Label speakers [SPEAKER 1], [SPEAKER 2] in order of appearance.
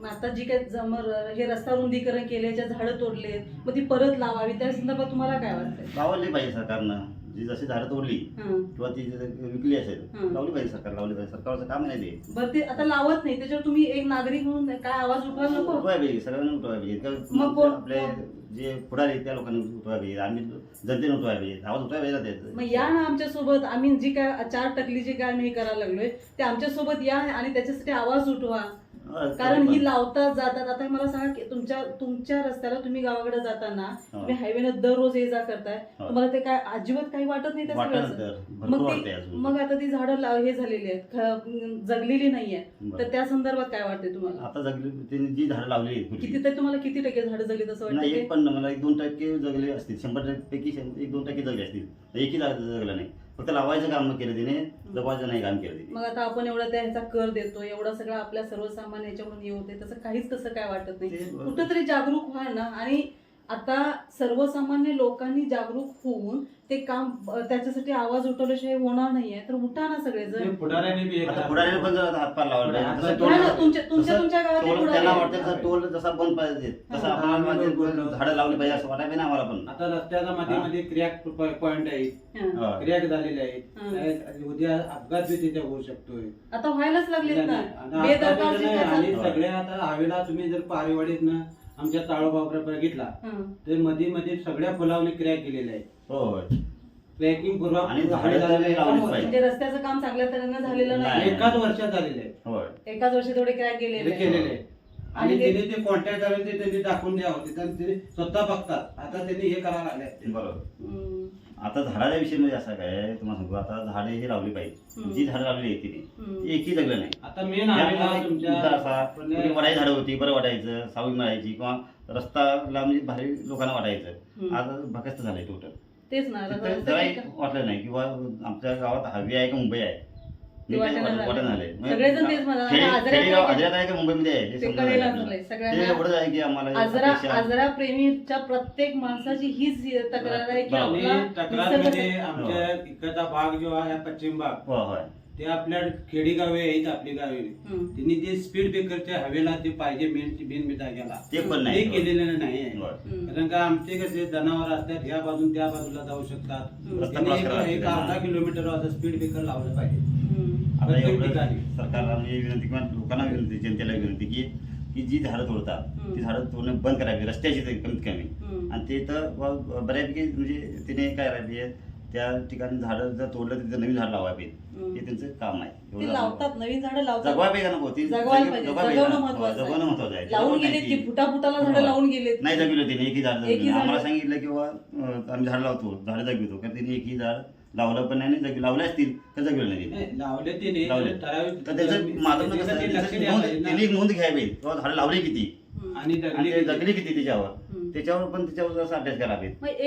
[SPEAKER 1] आता जी काही हे रस्ता रुंदीकरण केल्याच्या झाडं तोडलेत मग ती परत लावावी त्या संदर्भात तुम्हाला काय वाटतंय?
[SPEAKER 2] लावली पाहिजे सरकारनं. जी जशी झाडं तोडली किंवा ती विकली असेल लावली पाहिजे, सरकार लावली पाहिजे. सरकारचं काम नाही ते.
[SPEAKER 1] बरं ते आता लावत नाही त्याच्यावर तुम्ही एक नागरिक म्हणून काय आवाज उठवायला नको?
[SPEAKER 2] उठवाय पाहिजे, सगळ्यांनी उठवाय पाहिजे.
[SPEAKER 1] मग कोण
[SPEAKER 2] आपले जे पुढारी आहेत त्या लोकांनी उठवाय पाहिजे, आम्ही जनतेने उठवाय पाहिजे, आवाज उठवाय पाहिजे त्याचं.
[SPEAKER 1] मग या ना आमच्या सोबत, आम्ही जी काय 4 टकली जे काय आम्ही हे करायला लागलोय ते आमच्या सोबत या आणि त्याच्यासाठी आवाज उठवा. कारण ही लावतात जातात. आता मला सांगा की तुमच्या रस्त्याला तुम्ही गावाकडे जाताना तुम्ही हायवेनं दररोज ये जा करताय, तुम्हाला ते काय अजिबात काही वाटत नाही त्या सगळ्याचं? मग आता ती झाडं हे झालेली आहेत, जगलेली नाहीये, तर त्या संदर्भात काय वाटते तुम्हाला?
[SPEAKER 2] आता जगली जी झाडं लावली
[SPEAKER 1] किती तर तुम्हाला किती टक्के झाडं जगली असं वाटतं?
[SPEAKER 2] नाही, पण मला 1-2% जगले असतील. 100 पैकी 1-2% जगले असतील. एकही जगलं नाही. फक्त लावायचं काम केलं तिने, जगवायचं नाही काम केलं तिने.
[SPEAKER 1] मग आता आपण एवढा ह्याचा कर देतो, एवढा सगळं आपल्या सर्वसामान्य याच्याकडून हे होते, तसं काहीच कसं काय वाटत नाही? कुठंतरी जागरूक व्हा ना. आणि आता सर्वसामान्य लोकांनी जागरूक होऊन ते काम त्याच्यासाठी आवाज उठवल्याशिवाय होणार नाहीये, तर उठा ना सगळेजण.
[SPEAKER 2] पुढाऱ्याने पण हातपार लावला
[SPEAKER 1] तुमच्या गावात
[SPEAKER 2] त्यांना वाटतं टोल जसा बंद पाहिजे तसं आपण झाडं लावली पाहिजे असं वाटायला नाही आम्हाला. पण
[SPEAKER 3] आता रस्त्याच्या मध्ये क्रॅक पॉइंट आहेत, क्रॅक झालेले आहेत, उद्या अपघात बी तिथे होऊ शकतोय.
[SPEAKER 1] आता व्हायलाच लागलेत ना.
[SPEAKER 3] आणि सगळ्या आता हवेला तुम्ही जर पारेवाडीत ना आमच्या ताळोबावर बघितला तर मध्ये मध्ये सगळ्या पुलावने क्रॅक केलेले आहे. ट्रॅकिंग पूर्व
[SPEAKER 2] आणि
[SPEAKER 1] म्हणजे रस्त्याचं काम चांगल्या तऱ्हेने झालेलं नाही.
[SPEAKER 3] एकाच वर्षात झालेलं आहे.
[SPEAKER 1] एकाच वर्षी थोडे क्रॅक गेलेले
[SPEAKER 3] आणि त्यांनी ते कॉन्टॅक्ट करायला त्यांनी दाखवून द्यावं, ते स्वतः बघतात. आता त्यांनी हे करायला लागले.
[SPEAKER 2] बरोबर. आता झाडाच्या विषयी म्हणजे असं काय तुम्हाला सांगू, आता झाडे ही लावली पाहिजे. जी झाडं लावली आहे तिने एकही जगलं नाही.
[SPEAKER 3] आता मेन
[SPEAKER 2] वडाई झाडं होती, बरं वाटायचं, सावली मिळायची किंवा रस्ताला म्हणजे भारी लोकांना वाटायचं. आज भकस्त झालंय टोटल.
[SPEAKER 1] तेच ना,
[SPEAKER 2] जराही वाटलं नाही किंवा आमच्या गावात हवी आहे का मुंबई आहे वाटण झालंय. आजरा आहे का मुंबईमध्ये आहे एवढंच आहे की आम्हाला
[SPEAKER 1] आजरा प्रेमीच्या प्रत्येक माणसाची हीच तक्रार आहे की
[SPEAKER 3] आमच्या इकडचा भाग जो आहे पश्चिम भाग ते आपल्या खेडेगावे आहेत, आपली गावे त्यांनी ते स्पीड ब्रेकरच्या हवेला ते पाहिजे मेन जाग्याला
[SPEAKER 2] ते पण नाही
[SPEAKER 3] केलेलं नाही. कारण का आमचे कसे जनावर असतात ह्या बाजून त्या बाजूला जाऊ शकतात. एक अर्धा किलोमीटर स्पीड ब्रेकर लावलं पाहिजे.
[SPEAKER 2] आता एवढं सरकारला म्हणजे विनंती किंवा लोकांना विनंती, जनतेला विनंती की जी झाडं तोडतात ती झाडं तोडणं बंद करावी, रस्त्याची कमीत कमी. आणि ते तर बऱ्यापैकी म्हणजे तिने काय करायला त्या ठिकाणी झाडं जर तोडलं तर नवीन झाड लावायला पाहिजे. हे त्यांचं काम आहे.
[SPEAKER 1] लावतात नवीन झाडं लावतात,
[SPEAKER 2] जगवायला पाहिजे ना. ती जगवणं महत्वाचं आहे.
[SPEAKER 1] लावून गेले की फुटाला झाडं लावून गेले
[SPEAKER 2] नाही जगविलं तिने एकही झाड. आम्हाला सांगितलं किंवा आम्ही झाड लावतो, झाडं जगवितो, कारण तिने एकही झाड लावलं पण नाही. लावले असतील तर जगविलं नाही
[SPEAKER 3] लावले तिने.
[SPEAKER 2] तर त्याचं माझं तिने नोंद घ्यावी किंवा झाडं लावली किती आणि जगली किती त्याच्यावर पण त्याच्यावर अभ्यास करावे.